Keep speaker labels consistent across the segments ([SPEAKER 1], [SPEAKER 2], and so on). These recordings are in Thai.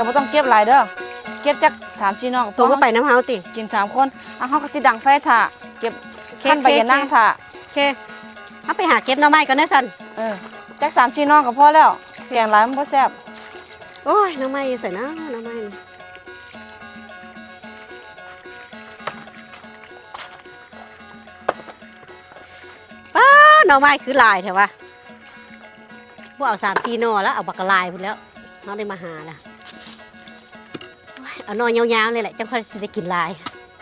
[SPEAKER 1] แต่ไม่ต้องเก็บหลายเด้อเก็บจาก3-4 น้อง
[SPEAKER 2] ตัวก็ไปน้ำเฮาติ
[SPEAKER 1] กิน3 คนเฮาก็สิดังไฟถ่าเก็บขั้นไปอย่านั่งถ่า
[SPEAKER 2] โอเคเอาไปหาเก็บหน่อไม้ก่อนนะสัน
[SPEAKER 1] จาก3-4 น้องก็พอแล้วแกงหลายมันบ่แซ่บ
[SPEAKER 2] โอ้ยหน่อไม้ใส่นะหน่อไม้ป้าหน่อไม้คือลายแถววะพวกเอา3-4 หน่อแล้วเอาบักกะลายพุ่นแล้วเขาได้มาหาแล้วเอาหน่อยาวๆเลยแหละจังค่อยสิได้กินลาย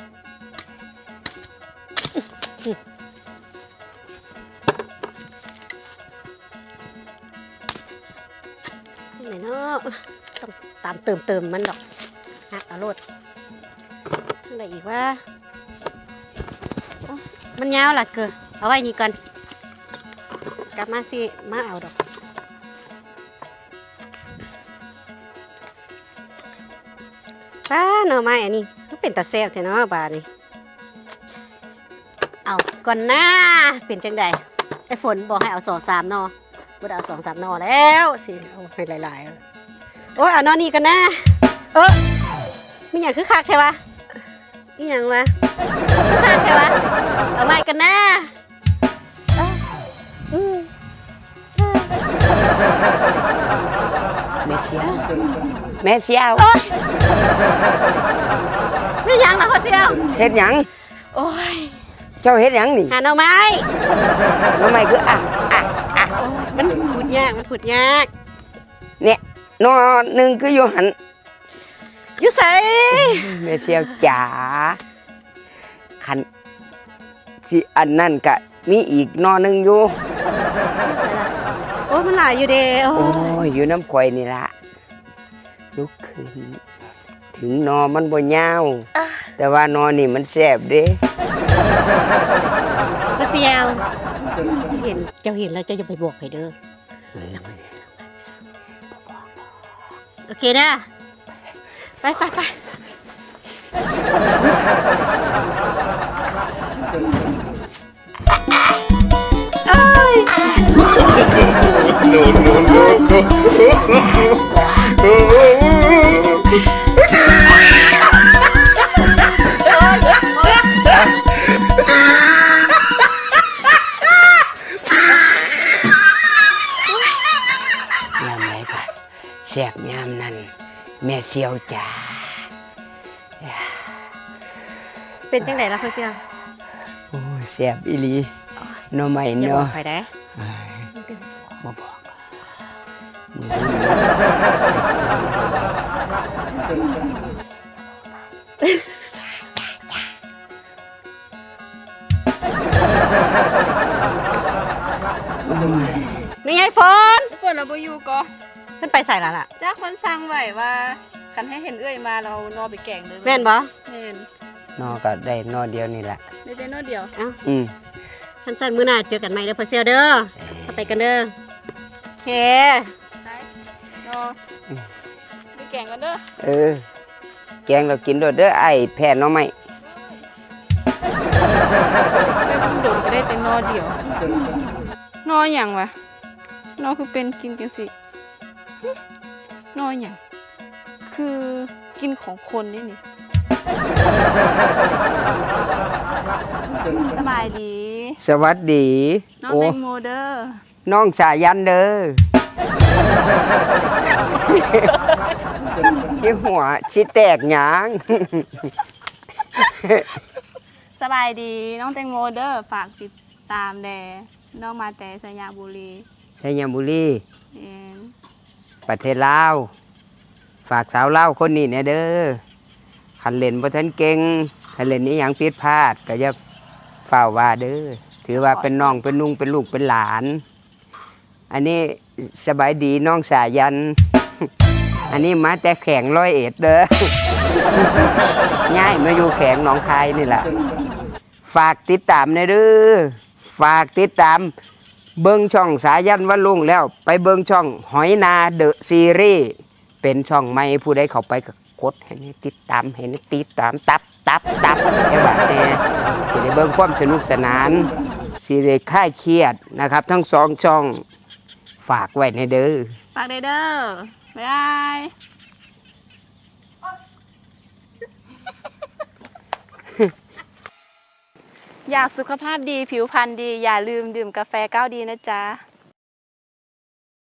[SPEAKER 2] ไหนเนาะต้องตามเติมมันดอกฮักเอาโลดอะไรอีกว่ามันยาวล่ะเกินเอาไว้นี่ก่อนกลับมาสิมาเอาดอกป้าหน่อไม้อันนี้ก็เป็นตาแซ่บแท้เนาะบาดนี่เอาก่อนหน้าเป็นจังใดไอ้ฝนบอกให้เอา2-3 หน่อบ่ได้เอา2-3 หน่อแล้วสิเอาให้หลายๆโอ้ยเอาหน่อนี้กันนะมีอย่างคือคักใช่ปะมีอย่างวะคักใช่ปะเอาไม้กันนะ
[SPEAKER 3] แม่เสียว
[SPEAKER 2] ไม่ยังหรอพ่อเชียว
[SPEAKER 3] เฮ็ดหยัง
[SPEAKER 2] โอ้ย
[SPEAKER 3] เจ้าเฮ็ดหยังนี่
[SPEAKER 2] หาหน่อไม้
[SPEAKER 3] คือ
[SPEAKER 2] มันพูดยาก
[SPEAKER 3] เนี่ยนอหนึ่งคืออยู่หัน
[SPEAKER 2] อยู่ใส่
[SPEAKER 3] แม่เสียวจ๋าขันสิอันนั่นกะมีอีกนอหนึ่งอยู่
[SPEAKER 2] โอ้มันหลายอยู่เด้
[SPEAKER 3] โอ้ยอยู่น้ำข่อยนี่ละลุกขึ้นถึงนอมันบ่ยาวแต่ว่านอนี่มันแซ่บเด้
[SPEAKER 2] พ่อเชียวเจ้าเห็นแล้วเจ้าจะไปบอกใครเด้อโอเคนะไปเอ้ย
[SPEAKER 3] แซ่บยามนั้นแม่เสียวจ๋า
[SPEAKER 2] เป็นจังไดล่ะพ่อเชียว
[SPEAKER 3] โอ้ยแซ่บอีหลีหน่อไม้เนาะ
[SPEAKER 2] อย่าบอกใครได้
[SPEAKER 3] บ่บอก
[SPEAKER 2] ไม่ไงฝน
[SPEAKER 1] เราบ่อยู่ก็
[SPEAKER 2] ขึ้นไปใส่ละล่ะ
[SPEAKER 1] จ้าคนสั่งไว้ว่าคันให้เห็นเอื้อยมาเรานอไปแกงเลย
[SPEAKER 2] แม่นบ่
[SPEAKER 1] แม่น
[SPEAKER 3] นอก็ได้นอเดียวนี่แหละ
[SPEAKER 1] ได้แต่นอเดียว
[SPEAKER 2] ฉันสั่นมื้อหน้าเจอกันใหม่เด้อพ่อเชียวเด้อไปกันเด้อโอเค
[SPEAKER 1] ได้นอไปแกงกันเด้
[SPEAKER 3] อแกงเรากินโดดเด้อไอ้แผ่นนอไม้
[SPEAKER 1] ไปบุญโดนก็ได้แต่นอเดียวนอหยังวะนอคือเป็นกินจังสินอหยังคือกินของคนนี่สบายดี
[SPEAKER 3] สวัสดี
[SPEAKER 1] น้องแตงโมเด้อ
[SPEAKER 3] น้องสายันเด้อชิหัวชิแตกหยาง
[SPEAKER 1] สบายดีน้องแตงโมเด้อฝากติดตามแดน้องมาแต่สยามบุรี
[SPEAKER 3] ประเทศลาวฝากสาวลาวคนนี้เนี่ยเด้อคันเล่นบ่ทันเก่งคันเล่นนี้อย่างผิดพลาดก็อย่าฝ่าว่าเด้อถือว่าเป็นน้องเป็นนุ่งเป็นลูกเป็นหลานอันนี้สบายดีน้องสายันอันนี้มาแต่แข่ง101เด้อง่ายมาอยู่แข่งหนองคายนี่แหละฝากติดตามเด้อฝากติดตามเบิ้งช่องสายันวันลุงแล้วไปเบิ้งช่องหอยนาเดอะซีรีส์เป็นช่องใหม่ผู้ใดเข้าไปก็กดให้ติดตามให้ติดตามตับแค่แบบนี้สิได้เบิ้งความสนุกสนานสิได้คลายเครียดนะครับทั้ง2 ช่องฝากไว้ในเด้อ
[SPEAKER 1] ฝากเด้อบ๊ายบายอยากสุขภาพดีผิวพรรณดีอย่าลืมดื่มกาแฟก้าวดีนะจ๊ะ